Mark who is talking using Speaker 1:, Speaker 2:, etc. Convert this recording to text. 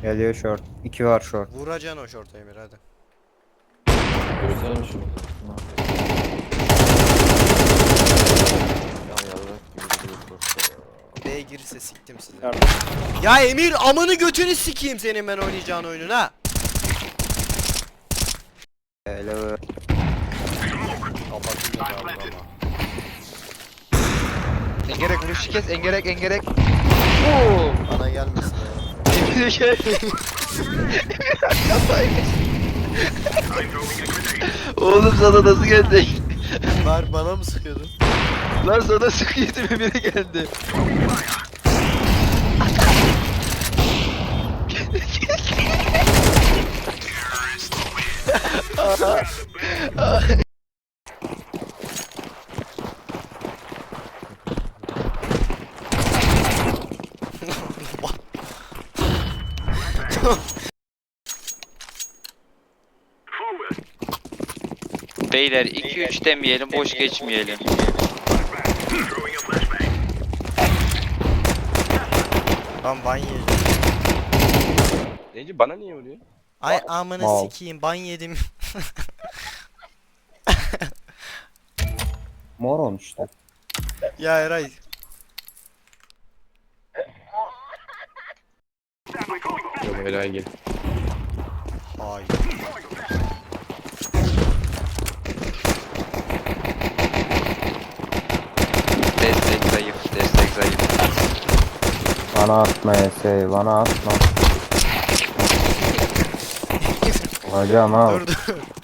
Speaker 1: Geliyor short. 2 var short.
Speaker 2: Vuracaksın o şorta Emir hadi.
Speaker 3: Göstermiş mi? Ya yavrum gibi duruyor şortta ya.
Speaker 2: B'ye girirse siktim sizi.
Speaker 1: Nerede?
Speaker 2: Ya Emir amını götünü sikeyim senin ben oynayacağın oyunun ha.
Speaker 1: Hello.
Speaker 2: Kapatınca da alır ama.
Speaker 4: Engerek vuruşu kes, engerek. Oo!
Speaker 2: Bana gelmesin ya.
Speaker 4: Emre gel. Kafayı. Oğlum sana nasıl geldi?
Speaker 2: Var bana mı sıkıyordun?
Speaker 4: Lan sana sıkıyordum Emir'e geldi.
Speaker 5: Beyler 2-3 demeyelim, boş geçmeyelim.
Speaker 2: Lan ban yedim.
Speaker 3: Neyci bana niye vuruyor?
Speaker 2: Ay amını
Speaker 1: Mal.
Speaker 2: sikeyim ban yedim.
Speaker 1: Mor olmuş işte.
Speaker 2: Ya Eray.
Speaker 3: Yok helal gel.
Speaker 2: Hayır.
Speaker 5: Destek zayıf, destek zayıf.
Speaker 1: Bana atma Esey, bana atma. Hocam al.
Speaker 2: Dur dur.